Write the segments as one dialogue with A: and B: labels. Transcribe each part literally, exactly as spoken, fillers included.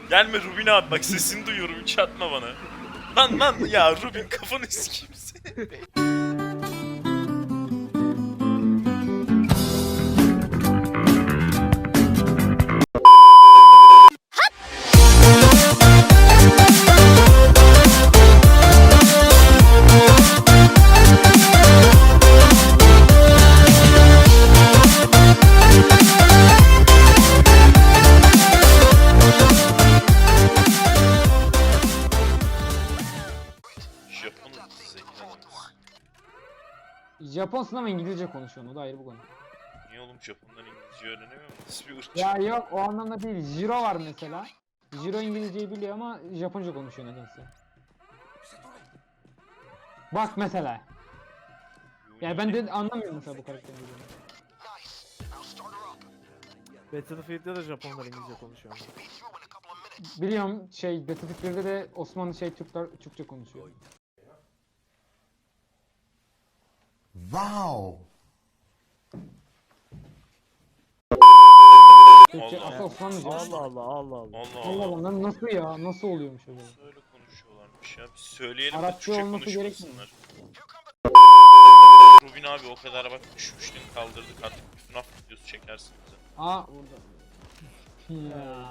A: Gelme Rubin abi, bak sesini duyuyorum, hiç atma bana. Lan lan ya Rubin, kafanı sikeyim seni. Japon'un zengin adamı.
B: Japon sınavı İngilizce konuşuyor, o da ayrı bu konu.
A: Niye oğlum, Japonlar İngilizce öğrenemiyor mu? Nasıl bir ırkçı?
B: Ya yok, o anlamda değil. Jiro var mesela. Jiro İngilizceyi biliyor ama Japonca konuşuyor nedense. Bak mesela. Yani ben de anlamıyorum mesela bu karakterin dediğini.
C: Battlefield'de de Japonlar İngilizce konuşuyor.
B: Biliyorum, şey Battlefield birde de Osmanlı şey Türkler Türkçe konuşuyor.
D: Wow.
B: Türkçe
A: Allah.
B: asıl Osmanlıca.
C: Allah Allah Allah Allah.
A: Allah
B: Allah
A: Allah.
B: Allah, nasıl ya? Nasıl oluyormuş acaba?
A: Öyle konuşuyorlarmış ya. Biz söyleyelim de
B: Arapça
A: Türkçe
B: olması
A: konuşmasınlar. Rubin abi, o kadar bak düşmüştün, kaldırdık, artık bir F NAF videosu çekersin bize.
B: Aa orada. Ya.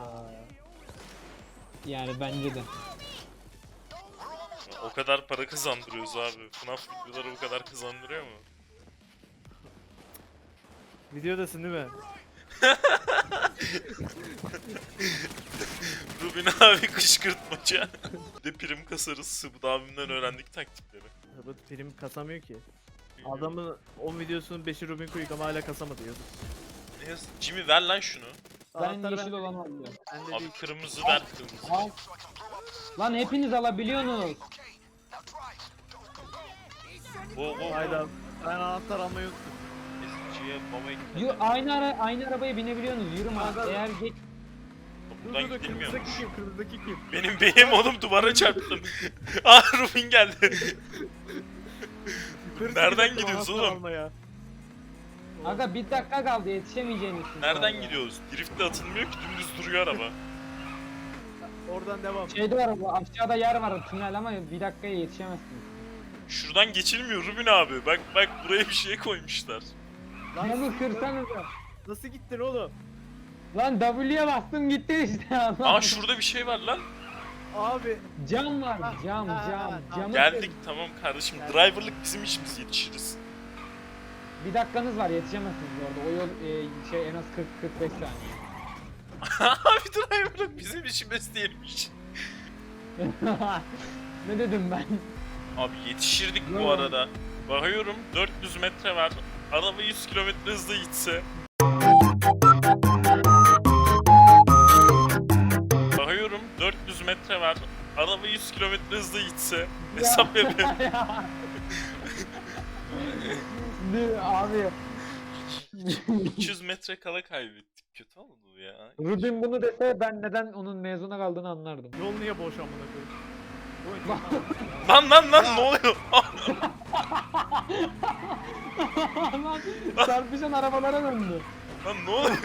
B: Yani bence de.
A: Ya, o kadar para kazandırıyoruz abi. F NAF videoları bu kadar kazandırıyor mu?
C: Videodasın değil mi?
A: Rubin abi kışkırtmaca. Bir de prim kasarız. Sıbıd abimden öğrendik taktikleri.
C: Tabii prim kasamıyor ki. Adamın on videosunun beşi Rubin Quick ama hala kasamadı yazık.
A: Ne yazık? Jimmy ver lan şunu.
B: Ben
C: Anahtarı
B: yeşil olan alıyorum.
C: Bende
A: Abi
C: değil.
A: kırmızı ver, kırmızı.
B: Al. Lan hepiniz alabiliyorsunuz.
A: Bo bo.
C: Hayda. Ben anahtar almayı unuttum.
A: Eziciye baba
B: Yu,
A: ekle.
B: aynı ara aynı arabaya binebiliyorsunuz. Yürüme.
C: Aga.
B: Eğer geç
C: Dur
A: Buradan
C: dur dur,
A: gidilmiyormuş.
C: kırmızıdaki kim? Kırmızıdaki kim?
A: Benim benim oğlum, duvara çarptım. Aa Rubin geldi.
C: Yukarı
A: Nereden
C: çıkacaktım
A: gidiyoruz
C: anahtar
A: oğlum?
C: almaya.
B: Aga bir dakika kaldı, yetişemeyeceğiniz. için
A: Nereden
B: orada.
A: gidiyoruz? Driftle atılmıyor ki, dümdüz duruyor araba.
C: Oradan devam.
B: Şeyde var, bu aşağıda yer var, tünel, ama bir dakikaya yetişemezsiniz.
A: Şuradan geçilmiyor Rubin abi. Bak bak, buraya bir şey koymuşlar.
C: Lan
B: Camı kırsanıza.
C: nasıl gittin oğlum?
B: Lan W'ye bastım gitti işte.
A: Aa şurada bir şey var lan.
C: Abi
B: Cam var,
C: Ha,
B: cam,
C: ha,
B: cam.
C: ha,
B: Camı
A: Geldik tamam kardeşim.
C: Geldik.
A: Driverlık bizim işimiz, yetişiriz.
B: kır. Bir dakikanız var, yetişemezsiniz orada. O yol e, şey en az kırk kırk beş saniye.
A: Abi driverlık bizim işimiz değilmiş.
B: Ne dedim ben?
A: Abi yetişirdik bu
B: Yo.
A: arada. Bakıyorum dört yüz metre var. Araba yüz kilometre hızla gitse. Bakıyorum dört yüz metre var. Araba yüz kilometre hızla gitse. Hesap yapıyorum.
B: Ne abi?
A: üç yüz metre kala kaybettik. Kötü oldu ya.
B: Rubin bunu dese ben neden onun mezuna kaldığını anlardım.
C: yol niye boş amına koyayım? Bu oyun-
A: Lan lan lan ne oluyor?
B: Lan çarpışan arabalara döndü.
A: Lan ne oluyor?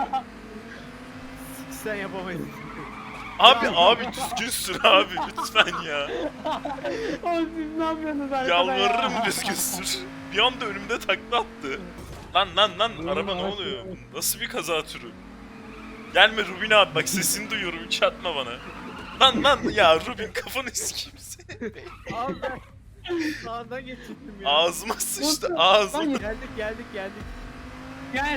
C: Sen yapamayız.
A: Abi abi düzgün sür abi lütfen ya.
B: Oğlum siz ne yapıyorsunuz arkada
A: Yalvarırım
B: ya?
A: düzgün sür. Bir anda önümde takla attı. Lan lan lan
B: Rubin
A: araba ne
B: araç
A: oluyor?
B: kullanmış.
A: Nasıl bir kaza türü? Gelme Rubin abi, bak sesini duyuyorum, hiç atma bana. Lan lan ya Rubin, kafanı sikeyim seni.
C: Abi ben sağdan geçecektim ya.
A: Ağzıma sıçtı
B: Nasıl?
A: ağzıma.
B: Lan
C: Geldik geldik geldik.
B: gel.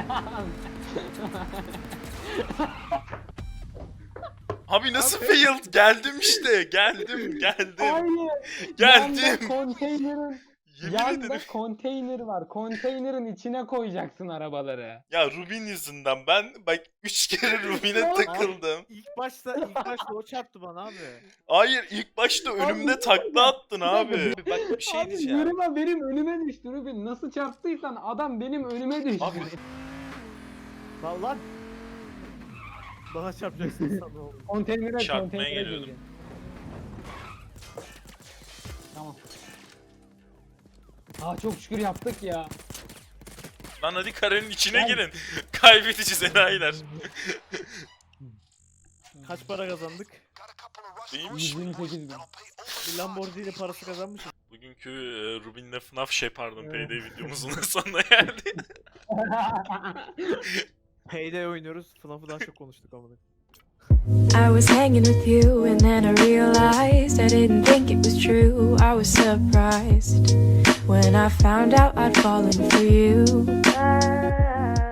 A: Abi nasıl
C: Abi.
A: failed? Geldim işte, geldim geldim.
B: Hayır.
A: Geldim.
B: Yanda konteynerin
A: Yemin
B: yanda
A: ederim.
B: konteyner var. Konteynerin içine koyacaksın arabaları.
A: Ya Rubin yüzünden ben bak üç kere Rubin'e takıldım.
C: İlk başta ilk başta o çarptı bana abi.
A: Hayır, ilk başta önümde takla attın abi. Bak bir şey
B: Abi
A: diyeceğim.
B: yürüme, benim önüme düştü Rubin. Nasıl çarptıysan adam benim önüme düştü.
A: Abi.
C: Lan lan. Bana çarpacaksın sana oğlum.
B: Konteynere
A: Çarpmaya
B: konteynere
A: geliyordum.
B: gireceksin. Tamam. Aa çok şükür yaptık ya.
A: Lan hadi karenin içine
B: Gel.
A: girin. Kaybedeceğiz enayiler.
C: Kaç para kazandık?
A: Değilmiş.
B: yüz yirmi sekiz bin.
C: Bir Lamborghini parası kazanmışız.
A: Bugünkü e, Rubin'le F NAF şey pardon
C: Evet.
A: Payday videomuzun da sonuna geldi.
C: Payday oynuyoruz. F NAF'ı daha çok konuştuk amına.
D: I was hanging with you and then I realized I didn't think it was true. I was surprised when I found out I'd fallen for you.